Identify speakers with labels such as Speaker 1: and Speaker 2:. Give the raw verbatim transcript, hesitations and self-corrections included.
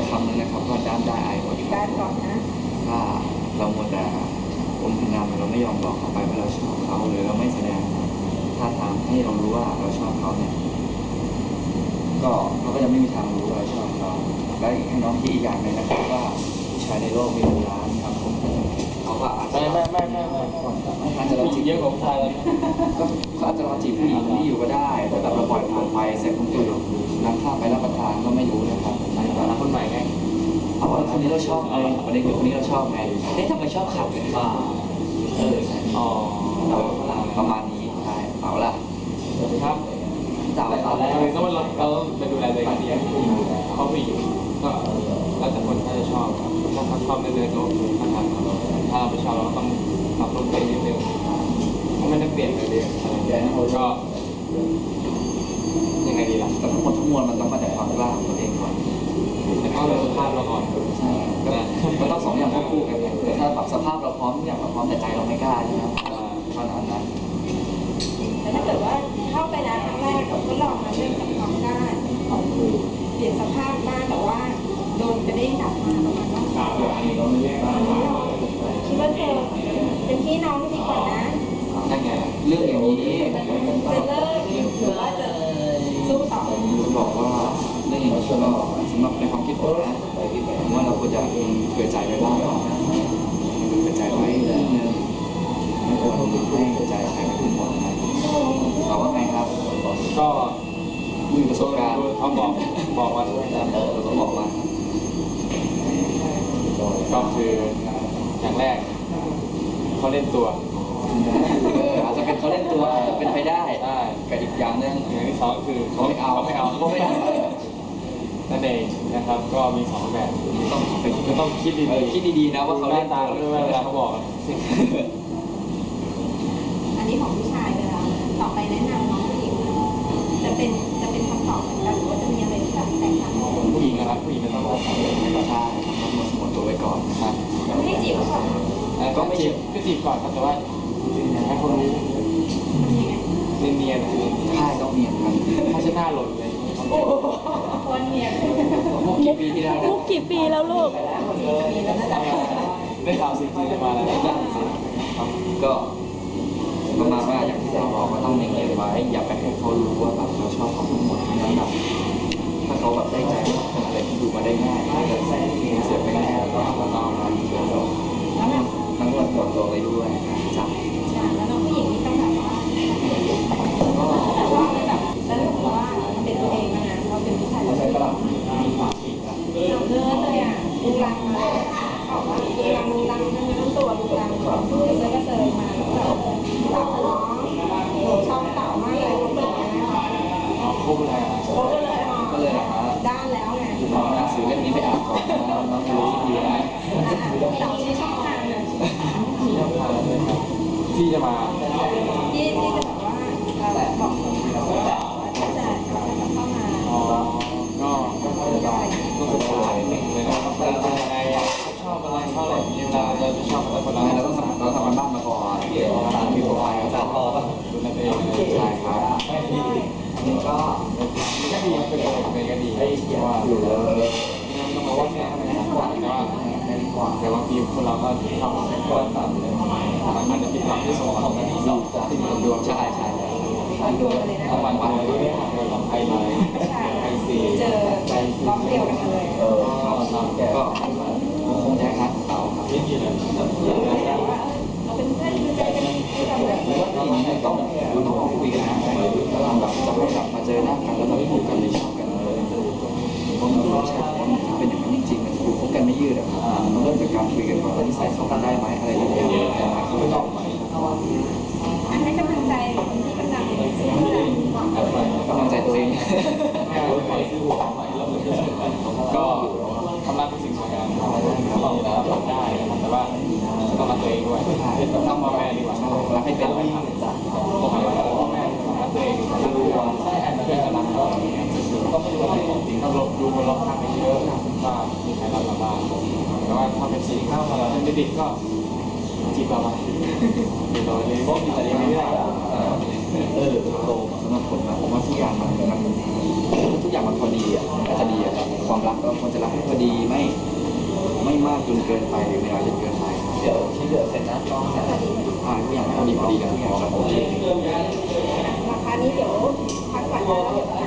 Speaker 1: คำนึงนะครับว่าด้านได้อายกว่า
Speaker 2: ด้านก่อนนะ
Speaker 1: ถ้าเราโมแต่อมพนามเราไม่ยอมบอกเขาไปว่าเราชอบเขาหรือเราไม่แสดงท่าทางให้เรารู้ว่าเราชอบเขาเนี่ยก็เขาก็จะไม่มีทางรู้ว่าเราชอบเขาและให้น้องคิดอีกอย่างหนึ่งนะครับว่าผู้ชายในโลกมีเป็นล้านครับผมเขาก็อาจจะ
Speaker 3: ไม่ไม่ไม่ไม่
Speaker 1: ไม่อาจจะเราจีบ
Speaker 3: เยอะกว่าผู้ชายแล้ว
Speaker 1: ก็เขาอาจจะเราจีบผู้หญิงที่อยู่ก็ได้แต่แบบเราปล่อยผ่านไปเสร็จคนอื่นนำข้าวไปรับประทานก็ไม่รู้นะครับ
Speaker 3: ใช่แต่ละคนใหม่ไง
Speaker 1: เอาว่าคนนี้เราชอบไงประเด็นคือคนนี้เราชอบไงเอ๊ะทำไมชอบขับกันบ้าเออ
Speaker 3: อ๋อ
Speaker 1: ประมาณนี้ใช่เอาล่ะ
Speaker 3: ครับ
Speaker 1: สาวสาว
Speaker 3: คือต้องเราเราไปดูแลตัวเองดีเขาผู้หญิงก็แล้วแต่คนถ้าจะชอบถ้าเขาชอบในเรื่องของท่าทางเราถ้าเราไม่ชอบเราต้องปรับปรุงไปนิดนึงไม่ได้เปลี่ยนเลยก็ยังไงดีล่ะ
Speaker 1: แต่ทั้งหมดทั้งมวลมันต้องมาจากความกล้าของตัวเองก่อน
Speaker 3: แต่ถ้าเราสภาพเราก่อน
Speaker 1: ใช่ก็ต้องสองอย่างควบคู่กันถ้าปรับสภาพเราพร้อมทุกอย่างเราพร้อมแต่ใจเราไม่กล้าใช่ไหมขนาดนั้น
Speaker 2: แต่ถ้าเกิดว่าเข้าไปแล้วครั้งแรกก็ลองมาเรื่องกับความกล้าของคือเปลี่ยนสภาพบ้างแต่ว่าโดนกระเด้งกลับมาประมาณว่าคิดว่าเธอเป็นพี่น้องดีกว่านะ
Speaker 1: นั่นไงเรื่องอย่างนี้
Speaker 2: จะเลิกหรือว่าจะสู้ต่อ
Speaker 1: จะบอกว่าเรื่องอย่างนี้ก็สำหรับในความคิดผมนะผมว่าเราควรจะเผื่อใจไว้บ้างเผื่อใจไว้เรื่องนึงไม่ควรให้ใจใครไปถึงหมดนะเราว่าไงครับ
Speaker 3: ก็
Speaker 1: มีประสบการณ์
Speaker 3: เขาบอกบอกว่า
Speaker 1: เออเขาบอกว่า
Speaker 3: ก็คืออย่างแรกเขาเล่นตัว
Speaker 1: อาจจะเป็นเขาเล่นตัวเป็นไปได้กับอีกอย่างนึง
Speaker 3: อย่างที่สองคือ
Speaker 1: เขาไม่เอา
Speaker 3: ไม่เอา
Speaker 1: เขาไม่เอา
Speaker 3: นั่นเองนะครับก็มีสองแบบ
Speaker 1: ต้องไป
Speaker 3: ก็ต้องคิดดี
Speaker 1: ๆคิดดีๆนะว่าเขาเล่น
Speaker 3: ตาด้วยเวลาเขาบอก
Speaker 2: อันนี้ของผู้ชายไปแล้วต่อไปแนะนำน้องผู้หญิงจะเป็นจะเป็นคำตอบเหมือนกันหรือว่าจะมีอะไรที่แบบแตกต่าง
Speaker 3: ผู้หญิงนะครับผู้หญิงจะต้องรักษาตัวให้ก่อน
Speaker 1: ใช่ต้องสงวนตัวไว้ก่อน
Speaker 3: ครับ
Speaker 2: ไม่จีบก่อน
Speaker 3: ก็ไม่จีบก็จีบก่อนครับแต่ว่าให้คนรู้เนียนเนียน
Speaker 1: ใช่ต้องเนียนครับ
Speaker 3: ถ้าจะหน้าหล่นเลย
Speaker 2: คนเนียน
Speaker 1: มุกกี่ปีที่แล้ว
Speaker 4: มุกกี่ปีแล้วลูก
Speaker 3: ได้ข่าวสิ่งที่มาแล้ว
Speaker 1: ก็ประมาณว่าอย่างที่เราบอกว่าต้องเนียนไว้อย่าไปให้เขารู้ว่าแบบเราชอบเขาทั้งหมดนั้นแบบถ้าเขาแบบได้ใจว่าเป็นอะไรที่ดูมาได้ง่ายถ้าเกิดเสียไปง่ายก็เราต้องมาดีกันแล้วทั้งหมดหมดตัวไปด้วยจ้ะ
Speaker 2: แล้วน้องผู้หญิงนี่ต้องแบบว่าก็แบบว่าแบบแล้วรู้ว่าเป็นตัวเองนะเราเป็นผู้ชายเราเป็นเราเนื้อเลยอ่ะดูรังมาบอกว่าดูรังดูรังนั่นนั่นตัวดูรังเซยก็เซยมาแล้วแบบตับน้องหนูชอบเต่ามากเลยเขาเป็นยังไงคะ
Speaker 3: อ๋อครบเลย
Speaker 2: ครบเลย
Speaker 1: ก็เลยนะ
Speaker 2: ด้านแล้วไง
Speaker 1: น้องหนังสือเล่มนี้ไปอ่านก่อนนะน้องรู้ดีนะ
Speaker 2: เต่าที่ชอบทานเลย
Speaker 3: ที่จะมา
Speaker 2: ที่ที่จะแบบว่าบอกคนว่าจะจะเข้ามา
Speaker 3: อ๋อก็ก็ศึกษาหนึ่งเลยนะครับเป็นยังไงชอบอะไรชอบอะไรยังไงเราจะชอบอะไรคนละ
Speaker 1: เราต้องทำเราทำกันบ้านมาก่อนเดี๋ยวตามที่โปรไฟล์เขาจะรอ
Speaker 3: ดูนั่นเอง
Speaker 1: ใช่ครับ
Speaker 3: นี่ก็ก็ดีเป็นเป็นก็ดีเพราะว่าอยู่แล้วต้องมาวัดเนี่ยแต่ว่าแต่บางทีคนเราก็ชอบคนต่างเลยอาจจะเป็นความที่สมองที่สองที่มันดวง
Speaker 1: ใช่ใช่
Speaker 2: ดวงเลยนะ
Speaker 3: วันวันเลยลองไปเลยไปสี่
Speaker 2: เจอล็อกเดียวกันเลย
Speaker 1: เออก็คงแท้ครับเต่าครับ
Speaker 3: ไม่มีเลย
Speaker 2: เราเป็นเพื่อนคือใจกันคือแบบแบบ
Speaker 1: ต้องต้องดูน้องคุยกันนะแบบจะไม่แบบมาเจอหน้ากันแล้วแบบพูดกันไม่ชอบกันเลยเพราะมันไม่ใช่เป็นอย่างนั้นจริงๆมันดูคบกันไม่ยืดอะมันเริ่มจากการคุยกันก่อนว่านิสัยเข้ากันได้ไหมอะไรอย่างเงี้ยแต่มาเขาไม่ตอบไหม
Speaker 2: อันให้กำลังใจคนที่กำลังซื้อก
Speaker 1: ำลังใจตัวเอง
Speaker 3: ก็ความรักเป็นสิ่งสวยงามต้องรับได้แต่ว่าต้องรักตัวเองด้วยต้องพ่อแม่ดีกว่ารักให้เป็นไม่ทำพ่อแม่พ่อแม่รักตัวเองรักตัวเพื่อนกำลังก็ต้องไม่รู้อะไรจริงต้องลบดูคนรอบข้างไปเยอะว่ามีใครรักเราบ้างแต่ว่าถ้าเป็นสิ่งข้าวมาเราเป็นเด็กก็จีบเราไปจีบเราเลยพวกมีอะไรไม่ได้
Speaker 1: เออโตสำหรับผมนะผมว่าทุกอย่างมันมันทุกอย่างมันพอดีอ่ะมันจะดีอ่ะความรักก็ควรจะรักให้พอดีมากจนเกินไปหรือไม่น้อยจนเกินไปเดี๋ยวที่เหลือเสร็จนะต้องอ่าทุกอย่างพอดีพอดีกันทุกอย่างครับผม
Speaker 2: ราคานี้เดี๋ยวพักก่อนนะแล้วเดี๋ยว